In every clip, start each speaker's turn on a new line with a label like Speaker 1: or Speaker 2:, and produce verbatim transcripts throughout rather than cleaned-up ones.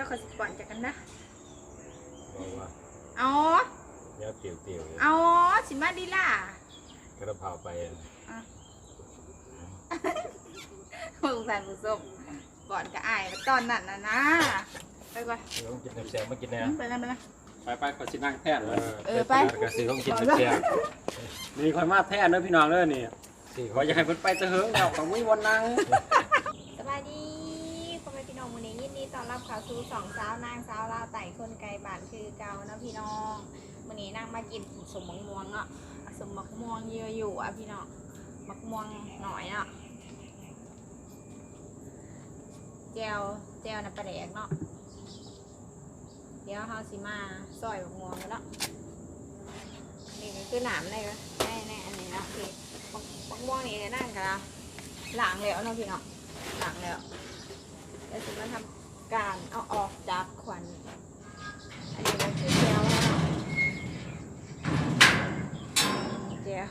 Speaker 1: ยวเขาสิก่อนจากกันนะ
Speaker 2: บอกว่า
Speaker 1: อ๋อ
Speaker 2: เดี๋ยวเตี๋ยวเตี๋ยว
Speaker 1: อ๋อสิมาดีล่ะ
Speaker 2: กระเพราไป
Speaker 1: ผู้สานผู้ส้มก่อนก็อายตอนนั้นนะนะไปก่อน
Speaker 2: เดี๋ยวต้องกินแซ่บๆมากินนะ
Speaker 1: ไปนะไปนะ
Speaker 3: ไปไปขอชินั่งแท่นเลย
Speaker 1: เออไป
Speaker 2: กระสือต้องกินแซ่บ
Speaker 3: นี่คอยมาแท่นด้วยพี่น้องเลยนี่ขออยากให้เพิ่นไปเถอะแล้วของมุ้ยวันนั่ง
Speaker 1: สบายดีพ่อแม่พี่น้องมื้อนี้ยินดีต้อนรับเข้าสู่สองสาวนางสาวลาวไต่คนไกลบ้านคือเก่านะพี่น้องมื้อนี้นางมากินสมมะม่วงเนาะสมมะม่วงเยอะอยู่อ่ะพี่น้องมะม่วงหน่อยเนาะแจวแจวน้ำปลาแดกเนาะเดี๋ยวเขาสิมาซอยมะม่วงกันเนาะนี่คือหนามอะไรวะแน่แน่อันนี้เนาะพี่มะม่วงนี่นั่งกันละหลังแล้วเนาะพี่เนาะหลังแล้วเดี๋ยวจะมาทำการเอาออกจากขวัญอันนี้ก็คือแจวเนาะแจว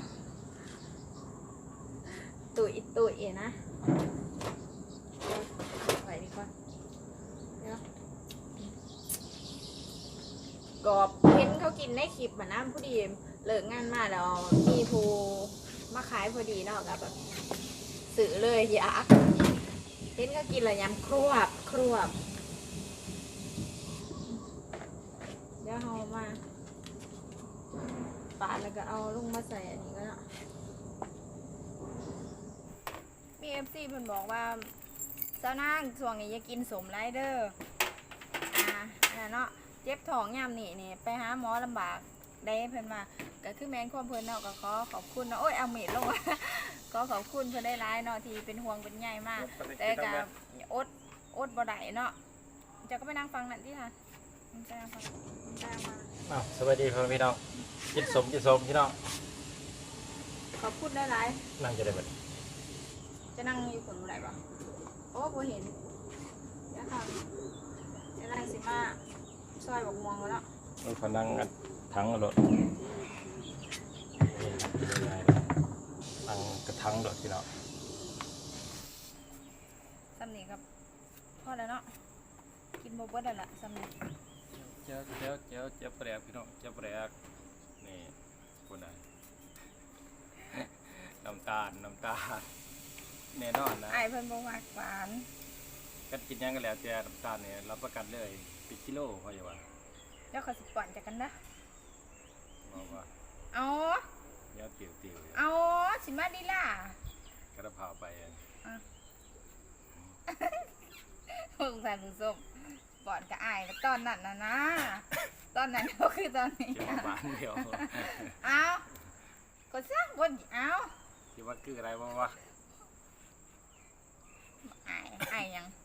Speaker 1: ตุ๋ยตุ๋ยนะไปดีกว่าเดี๋ยวกอบเห็นเขากินในคลิปมานะผู้ดีเลิกงานมาแล้วมีผู้มาขายพอดีเนาะกับแบบสื่อเลยอยากเห็นเขากินอะไรยำครวบครวบเดี๋ยวเอามาปาดแล้วก็เอาลงมาใส่อันนี้ก็เนาะมีเอฟซีเพิ่นบอกว่าเจ้านางช่วงนี้อย่ากินสมไรเดอร์อ่าอันนั้นเนาะเจ็บท้องยามนี่นี่ไปหาหมอลำบากได้เพิ่นมาก็คือแมนความเพิ่นเนาะก็ขอขอบคุณเนาะโอ้ยเอาเม็ดลงก็ขอบคุณเพิ่นได้ร้ายเนาะที่เป็นห่วงเป็นใยมากแต่ก็อดอดบ่ได้เนาะจะก็ไปนั่งฟังนั่นที่ค่ะจะนั่งฟังจะมา
Speaker 2: อ้าวสวัสดีพ่อพี่น้องกินสมกินสมพี่น้อง
Speaker 1: ขอบคุณได้ร้าย
Speaker 2: นั่งจะได้แบบ
Speaker 1: จะนั่งอยู่คนไหนบ้างโอ้บ่เห็นเดี๋ยวค่ะจะนั่งสิมาซอยบอกม่วงแล้ว
Speaker 2: เราพนังทั้งรถทั้งกระทั้งรถพี่น้อง
Speaker 1: ซ้ำนี่ครับพอแล้วเนาะกินโบเบิ้ลแล้วล่ะซ้ำนี่
Speaker 3: เจ้าเจ้าเจ้าเจ้าแปลกพี่น้องเจ้าแปลกนี่คนไหนน้ำตาลน้ำตาลแน่นอนนะ
Speaker 1: ไอเพิ่นบ่มักหวาน
Speaker 3: กันกินยังกันแล้วแต่น้ำตาลเนี่ยรับประกันเลยปิดกิโลเขาอย่าว่า
Speaker 1: เดี๋ยวเขาสิก่อนจากกันนะ
Speaker 3: บอกว่า
Speaker 1: อ๋อ
Speaker 3: เดี๋ยวเตี๋ยวเตี๋ยว
Speaker 1: อ๋อสิมาดีล่ะ
Speaker 3: กระเพราไปอ่ะ
Speaker 1: ผู้สานผู้ส้มก่อนก็อายตอนนั้นนะนะตอนนั้นก็คือตอนนี้
Speaker 3: เดี๋ยวบ้านเดียว
Speaker 1: เอาก็สร้างคนเอา
Speaker 3: คิดว่าคืออะไรบ้างวะ
Speaker 1: อายอายยัง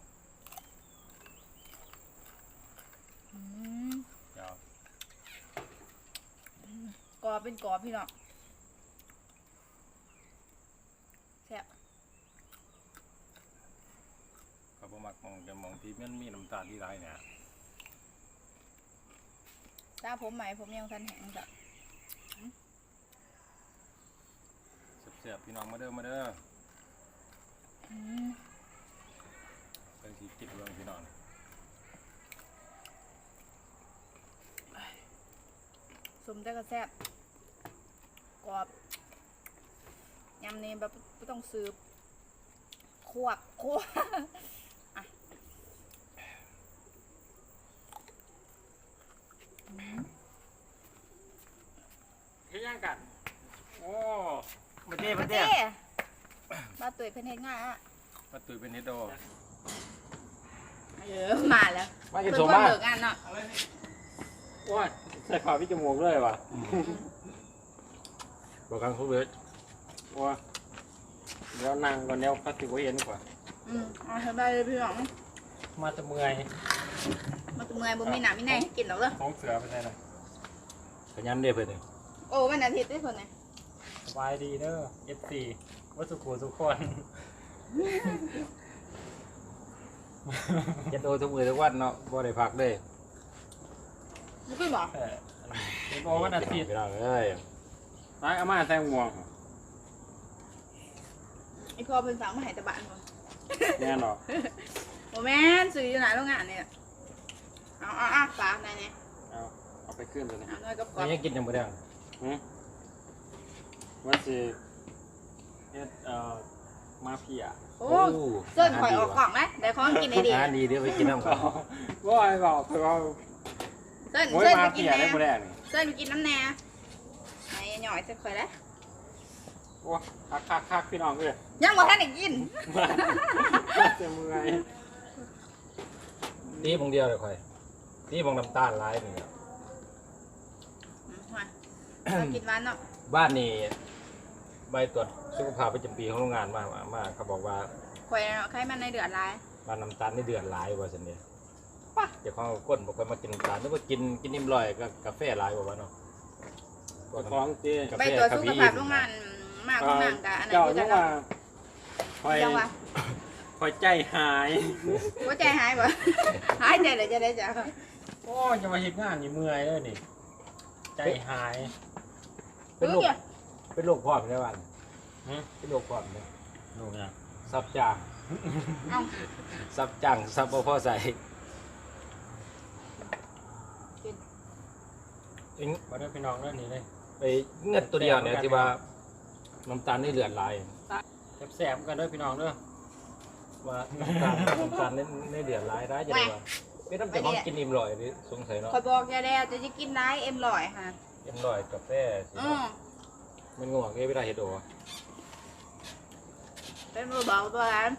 Speaker 1: กอเป็นกอพี่น้องแซ่บ
Speaker 3: เขาบอกมักมองจะมองที่มันมีน้ำตาลที่ไรเนี่ย
Speaker 1: ตาผมไหมผมยังทันแห้งจ้ะ
Speaker 3: เสียบพี่น้องมาเด้อมาเด้อไปที่ติดเรื่องพี่น้อง
Speaker 1: สมแต่ก็แซ่บกรอบยำนี่แบบไม่ต้องซื้อขวบขวบ
Speaker 3: เฮ้ยยังกันโอ้มาเต้
Speaker 1: มา
Speaker 3: เต้
Speaker 1: มาตุ๋ยเป็นเฮ็ดง่ายอ่ะ
Speaker 3: มาตุ๋ยเป็นเฮ็ดโด
Speaker 1: เออมาแล้ว
Speaker 2: มากินสมมา
Speaker 1: เลิกงานเนาะ
Speaker 3: ว้าใส่ผ้าพี่จมูกเลยว่ะ
Speaker 2: บอกกันเขาเวท
Speaker 3: ว้าเดี๋ยวนั่งก่อนเดี๋ยวพัดติวเย็นกว่า
Speaker 1: อืมเอาสบายเลยพี่น้อง
Speaker 3: มาจะเมื่อย
Speaker 1: มาจะเมื่อยบ่มีหนามมีแน่กินหรอกเด้อ
Speaker 3: ของเสือเป็นไงล่ะ
Speaker 2: ขยันเด้อเพื่อน
Speaker 1: โอ้วันอาทิตย์ได้คนไหน
Speaker 3: สบายดีเด้อ เอฟ ซี วัสุขุทุกคน
Speaker 2: ยันโดทุกมือทุกวันเนาะบ่ได้พักเลย
Speaker 1: ไม่ขึ้นหรอ
Speaker 3: เออโอ้วันอาทิตย์
Speaker 2: ไปเราเลย
Speaker 3: ร้ายอาม่าแตงม่วง
Speaker 1: ไอพ่อเป็นสาวมาหายตะบานคน
Speaker 3: แน่นอน
Speaker 1: โอ้แม่สื่ออยู่ไหนโรงงานเนี่ยเอาเอาปลาไหนเนี่ย
Speaker 3: เอาเอาไปขึ้นเลยนะ
Speaker 1: เอาหน่อยกับกรอ
Speaker 2: มัน
Speaker 1: บ
Speaker 2: ยังกินยังบ่ได้
Speaker 3: หืมว่าสิเฮ็ดเอ่อมาเพีย
Speaker 1: โอ้เส้นข่อยออกกล่องนะเดี๋ยวของกินไอ้ดี
Speaker 2: อาหารดีเดี๋ยวไปกินน้ำก่อน
Speaker 3: ว่าไอ้บอกคือว่า
Speaker 1: เส้น
Speaker 3: โอ้ย
Speaker 1: เส้น
Speaker 3: มา
Speaker 1: ไปกิน
Speaker 3: เพีย
Speaker 1: แน่
Speaker 3: ได้บ่ได้นี่
Speaker 1: เส้นไปกินน้ำแน่ไหนหน่อยจะข่อยแล้ว
Speaker 3: โอ้คักคักคักพี่น้องเอ้ย
Speaker 1: ยังบ่ทันได้กิน
Speaker 3: มาจะเมื่อย
Speaker 2: ตีบงเดียวเลยค่อยตีบงน้ำตาลหลายนี่ครับ
Speaker 1: อืมมาเรากินหวานเนาะ
Speaker 2: บ้านนี่ใบตรวจสุขภาพประจำปีของโรงงานมามามาเขาบอกว่า
Speaker 1: ข่อยเนาะไขมันในเดือดร้าย
Speaker 2: บ้านน้ำตาลนี่เดือดหลายว่าซั่นเด้
Speaker 1: ป่ะ
Speaker 2: เดี๋ยวเขาเอาก้นบอกว่ามากินน้ำตาลนึกว่ากินกินนิ่มลอยก็กาแฟหลายกว่าเนาะ
Speaker 3: ของเจ้
Speaker 2: กา
Speaker 1: ไป
Speaker 2: แฟ
Speaker 1: ตรวจ
Speaker 2: คา
Speaker 1: สุ
Speaker 2: เฟ
Speaker 1: ข
Speaker 2: อี
Speaker 1: ภาพ
Speaker 2: น
Speaker 1: โรงงานมากโรงงานกับอันไหน
Speaker 3: เจ้า
Speaker 1: กู
Speaker 3: จั
Speaker 1: จะ
Speaker 3: ง
Speaker 1: เนาะ
Speaker 3: ว่าคอย
Speaker 1: จังว่า
Speaker 3: คอยใจหาย
Speaker 1: หัวใจหายบ่ หายใจเลยจะได้จ้ะ
Speaker 3: โอ้ยจะมาเฮ็ดงานนี่เมื่อยเลยนี่ ใจหาย
Speaker 2: เป็นโรค
Speaker 1: เอ้ย
Speaker 2: เป็นโรคพร้อมได้บ้าน
Speaker 3: หึ
Speaker 2: เป็นโรคพร้อมเนี่ย
Speaker 3: ดูเนี่ย
Speaker 2: ซับจาง
Speaker 1: เอา
Speaker 2: ซับจางซับบ่พอใส่
Speaker 1: กิน
Speaker 2: เอ็ง
Speaker 3: มาได้พี่น้องเรื่องนี้เลย
Speaker 2: ไปเงินตัวเดียวเนี่ยที่ว่าน้ำตาลนี่เลือดหลาย
Speaker 3: แสบๆกันเด้อพี่น้องเด้อ
Speaker 2: ว่าน้ำตาลน้ำตาลนี่นี่เดือดหลายได้จะได้ว่าเป็นน้ำจากของกินอิ่มลอยหรือสงสัยเนาะ
Speaker 1: ข่อยบอกแกแล้วจะจะกินได้เอ็มร้อยค่ะ
Speaker 2: อิ่มลอยกาแฟสิ
Speaker 1: อือ
Speaker 2: มันง่วงเอ้ยไม่ได้เฮ็ดโด
Speaker 1: เป็นมือเบาตัวนั้น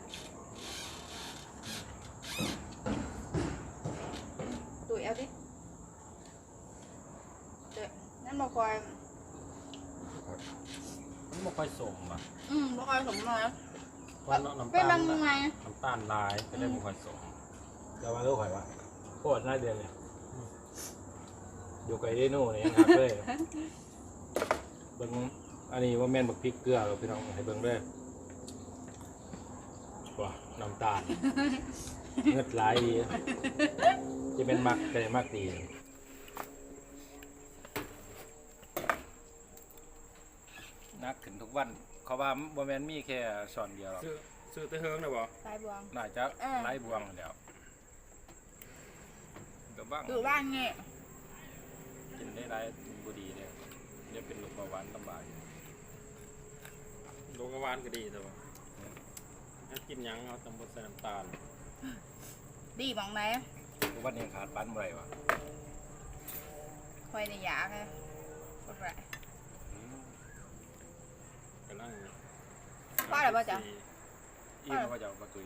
Speaker 1: ตุ๋ยเอาดิเดี๋ยวนั่นมาคอย
Speaker 3: มันบ่ค่อยสมอ่ะ
Speaker 1: อืมมาคอยสมหน่อย
Speaker 3: เพราะน้ำ
Speaker 1: เป็น
Speaker 3: ตา
Speaker 1: บา
Speaker 3: ล
Speaker 1: งไง
Speaker 3: น้ำตาลลายก็ได้บ่ค่อยสม
Speaker 2: จะมาลูกข่อยว่าโคตรน่าเดือนเลยอยู่ไกลได้โน่เนี่ยยังหักเลยเบิ่งอันนี้ว่าแม่นบักพริกเกลือเราพี่น้องให้เบิ่งด้วยว้าน้ำตาลเงือดหลายดีจะเป็นมักก็ได้มักดีนักขึ้นทุกวันเขาว่าบ่แม่นมีแค่ช้อนเดียวหรอก
Speaker 3: ซื้อซื้อแต่เฮิงได้บ่
Speaker 1: สายบวง
Speaker 2: น่าจะ
Speaker 1: เออ
Speaker 2: ไล่บวงแล้วก็บ้าง
Speaker 1: อยู่บ้านเงี้ย
Speaker 2: กินได้หลายบุดีเนี่ยเดี๋ยวเป็นโรคเบาหวานลำบาก
Speaker 3: โรงงานก็ดีแต่ว่าถ้ากินหยังเอาตำบดใส่น้ำตาล
Speaker 1: ดีบังไหน
Speaker 2: ทุกวันนี้ขาดปันบ่ไรวะ
Speaker 1: คอยในยาไงกดไร
Speaker 3: กำลัง
Speaker 1: ว่าอะไรบ้างจ๊ะ
Speaker 2: อีมันก็จะเอาประตู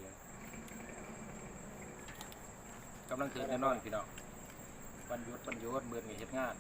Speaker 2: กำลังถือแน่นอนพี่น้องวันหยุดวันหยุดเบื่อมีเฮ็ดงาน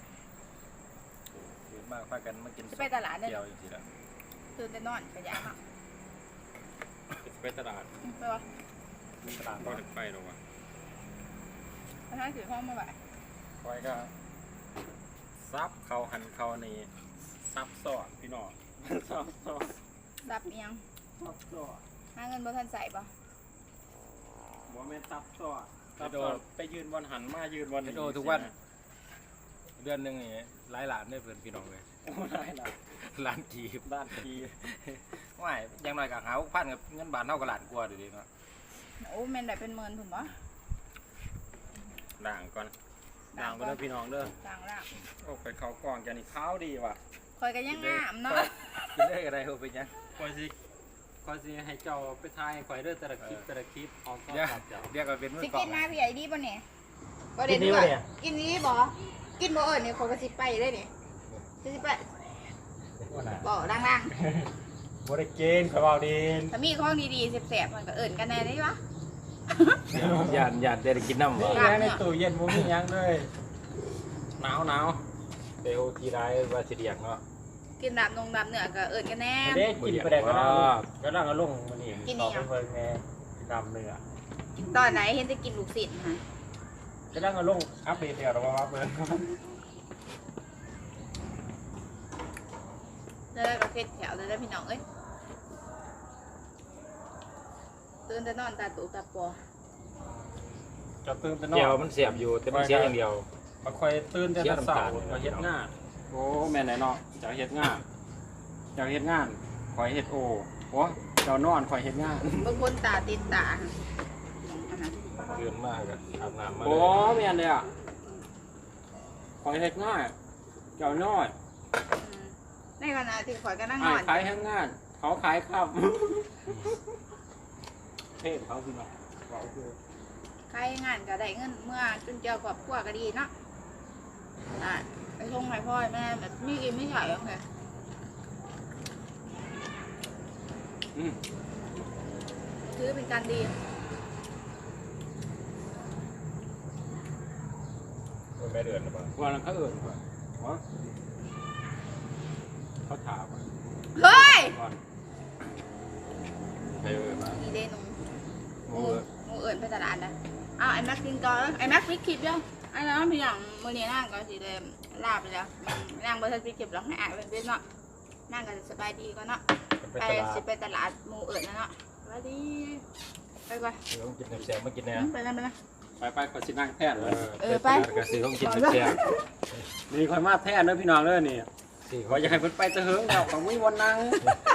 Speaker 2: เยอะมากพากันมากิน
Speaker 1: จะไปตลาดเนี่ย
Speaker 2: เดียวจริงๆแล้ว
Speaker 1: ตื่นแต่นอนกระยาเนาะ
Speaker 3: ไปตลาด
Speaker 1: อืมไปวะ
Speaker 2: มีตลาด
Speaker 3: ก็
Speaker 2: บ่
Speaker 3: ถึงไปหรอกวะ
Speaker 1: ไปทางถือห้องมาไหว
Speaker 2: คอยก็
Speaker 3: ซับเขาหันเขานี่ซับซ้อนพี่น้อง ซับซ้อน
Speaker 1: รับเอียง
Speaker 3: ซับซ้อน
Speaker 1: หาเงินบ่ทันใส่ปะ
Speaker 3: บ่แม่นซับซ้อนซับซ้อนไปยืนวันหันมายืนวัน
Speaker 2: เฮ็ดโอทุกวันเดือนหนึงนี่หลายหลานได้เพื่อนพี่น้องเลย
Speaker 3: โอ้ได้ละ
Speaker 2: ล้านกีบ
Speaker 3: ด้านที
Speaker 2: ว่ายอยังน้อยก็หาพันกับเงินบาทเท่ากับล้านกว่าเดี๋ยวนี้เนาะ
Speaker 1: โอ้แม่นได้เป็นหมื่นถูกปะ
Speaker 3: ด่างก่อนด่างไปเด้อพี่น้องเด้อ
Speaker 1: ต่างละ
Speaker 3: โอ้ไปเขากล่องแกนี่ขาวดีว่ะ
Speaker 1: คอยกันยังงามเนาะ
Speaker 2: กินได้อะไรเอาไปยัง
Speaker 3: คอยสิคอยสิให้เจ้าไปทายให้ข่อยเด้อแต่ละคลิปแต่ละคลิปเอาก็
Speaker 2: เดี๋ยว
Speaker 3: ตัดเจ้า
Speaker 2: เรียกว่าเป็นมือ
Speaker 1: สิ
Speaker 2: กล่อ
Speaker 1: กิ
Speaker 2: ง
Speaker 1: นมาพี่ใหญ่ดีป่ะเนี่ยบ่ได้
Speaker 2: กินดี
Speaker 1: ด้ว
Speaker 2: ปะ
Speaker 1: ย
Speaker 2: เนี่ย
Speaker 1: กินนี้บ่กินบ่เอิญเนี่ยเขาก็สิไปได้เนี่ยจะสิไปบ่ดัง
Speaker 3: บ่ได้เกณฑ์ข่อยเว้าดี
Speaker 1: ๆถ้ามีของดีๆแสบๆมันก็เอิญกันแน่ได้ปะ
Speaker 2: หยาดหยาดได้กินน้ำ
Speaker 3: นี่
Speaker 2: บ่
Speaker 3: แหละในตู้เย็นบ่มีหยังเลยหนาวหนาว
Speaker 2: เตโอทีไรว่าสิเดียกเนาะ
Speaker 1: กินดำนงดำเนื้อก็เอิญกันแน่
Speaker 3: เด้กินไปได้ก็ได้
Speaker 2: ว้า
Speaker 3: ก็ได้ก็ลงมื้อนี้
Speaker 1: กิน
Speaker 3: ต่
Speaker 1: อี
Speaker 3: อ
Speaker 1: หยัง
Speaker 3: ไปเพิ่นแม่กินดำเนื้อ
Speaker 1: ตอนไหนเห็นจะกินลูกศิษย์ฮะ
Speaker 3: ก็ได้ก็ลงอัปเดตเดี๋ยวเราว่าเพิ่น
Speaker 1: แล้วก็เพ็ดแถวเลยได้พี่น้องเอ้ยตื่นแต่นอนตาตุตาปอ
Speaker 3: จะตื่นแต่นอ
Speaker 2: เดียวน มันเสียบอยู่แต่มันเสียอย่างเดียว
Speaker 3: มาคอยตื่นแต่
Speaker 2: เสีย
Speaker 3: เช้า
Speaker 2: น้ำตาล
Speaker 3: มาเฮ็ดงานโอ้แม่นไหนเนาะจะเฮ็ดงานจะเฮ็ดงานคอยเฮ็ดโอโอ้เจ้านอนคอยเฮ็ดงาน
Speaker 1: บางคนตาติดตาอันนั้น
Speaker 3: โ
Speaker 2: เดือนมากกับอาบน้ำมา
Speaker 3: โอ้
Speaker 2: เลย
Speaker 3: แม่นเลยอ่ะคอยเฮ็ดง่ายเจ้าน้อย
Speaker 1: ในขณะที่ข่อยก็นั่งน
Speaker 3: อ้า
Speaker 1: อย น
Speaker 3: ขายแห้งงานเขาขายข้าวเทพเขาพี่น้องว่าโอเค
Speaker 1: ใครงานก็ได้เงินเมื่อจนเจียวครอบครัวก็ดีเนาะอ่ะไปส่งให้พ่อให้แม่แบบไม่กินไม่ใช่โอเค
Speaker 3: อืม
Speaker 1: ถือเป็นการดี
Speaker 2: แม่เดือนหรือเปล่า
Speaker 3: วันนั้นเขาเอิญก่อนวะเขาถามก่อน
Speaker 1: เฮ้ย
Speaker 3: ก่อน
Speaker 2: ใครเดือนมา
Speaker 1: นี่เดนู
Speaker 2: โอ้
Speaker 1: งู
Speaker 2: ย
Speaker 1: งูเอิญไปตลาดนะเอาไอ้แม็กกินก่อนไอ้แม็กปิดคลิปยังไอ้น้องพี่หลังมือนี้นั่งก็สีเดมลาบไปแล้วนั่งบนทัศน์ปิดคลิปแล้วให้อ่านเป็นเรื่องเนาะนั่งกันสบายดีก็เนาะ
Speaker 2: ไป
Speaker 1: ไป
Speaker 2: ตลาด
Speaker 1: สิไปตลาดหมูเอิญนะเนาะสบายดีไปก่อน
Speaker 2: ซื้อของกินแซ่บๆมากินแน่
Speaker 1: ไปแล้วไปแล้ว
Speaker 3: ไปไปขอชินั่งแทน
Speaker 2: เอ
Speaker 3: เลย
Speaker 2: อ
Speaker 1: เออไป
Speaker 2: ไปตลาดก็ซื้อของกินแซ่บ
Speaker 3: นี่คอยมาแทนเด้อพี่น้องเด้อนี่
Speaker 2: ๆซื้อข
Speaker 3: ข
Speaker 2: อ
Speaker 3: อง อยากให้เพิ่นไปตะเหิงแล้วของมีวันนั่ง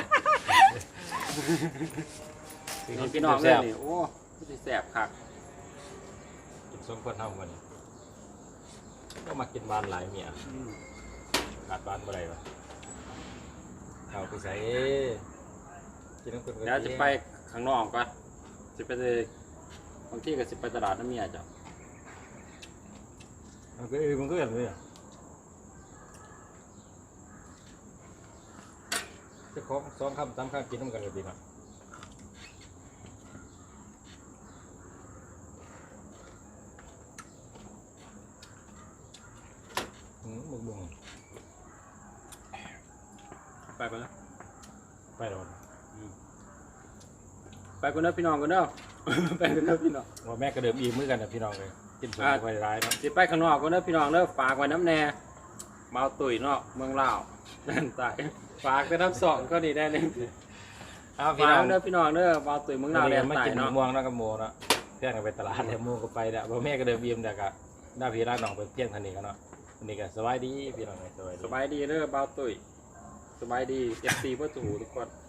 Speaker 2: ซื้อข
Speaker 3: นี่
Speaker 2: องกิ
Speaker 3: พี่
Speaker 2: น
Speaker 3: น้องเด้
Speaker 2: แซ่
Speaker 3: อบ นี่โอ้สิแซ่บคัก
Speaker 2: ๆกินสองคนเท่ากันก็มากินหวานหลายเมีย
Speaker 3: อืม
Speaker 2: ขาดหวานบ่ได้วะเอาไปใส่กินน้ำคนก็
Speaker 3: เดี๋ยวจะไปข้างนอกก่อนสิไปเลยบางทีก็สิไปตลาดน้ำเมียจ้ะ
Speaker 2: มันก็เออมันก็อย่างนี้อะจะของสองคำสามคำกินน้ำกันก็ดีเนาะอืมบุ้งบุ้ง
Speaker 3: ไปไปแล้ว
Speaker 2: ไปแล้วนะ
Speaker 3: ไปกันเด้อพี่น้องกันเด้อ ไปกันเด้อพี่น้อง
Speaker 2: ว่าแม่ก็เดิมอีมือกันนะพี่น้องเลยกินสม
Speaker 3: อ่า
Speaker 2: ไปร้ายเนาะ
Speaker 3: สิไปข้างนอกกันเด้อพี่น้องเด้อฝากไว้น้ำแน่เมาตุ๋ยเนาะเมืองลาวนั่นตายฝากแต่น้ำสองก็ดีได้เลย
Speaker 2: อ้าวพี่
Speaker 3: ฝาก
Speaker 2: น้อง
Speaker 3: เด้อพี่น้องเด้อเมาตุ๋ยเมืองลาว
Speaker 2: เรี
Speaker 3: แด
Speaker 2: ยน
Speaker 3: น
Speaker 2: มา
Speaker 3: ใต้
Speaker 2: กินหมู
Speaker 3: เนาะ
Speaker 2: ม่วงแล้วก็โมเนาะเพื่อนก็ไปตลาดแล้วโมก็ไปแล้วว่าแม่ก็เดิมอีมแต่ก็หน้าพี่ร้านน้องไปเพี้ยงทันนี้กันเนาะทันนี้ก็สบายดีพี่น้องเลยสบายดี
Speaker 3: สบายดีเด้อเมาตุ๋ยสบายดีเอฟซีเพื่อสู่ทุกคน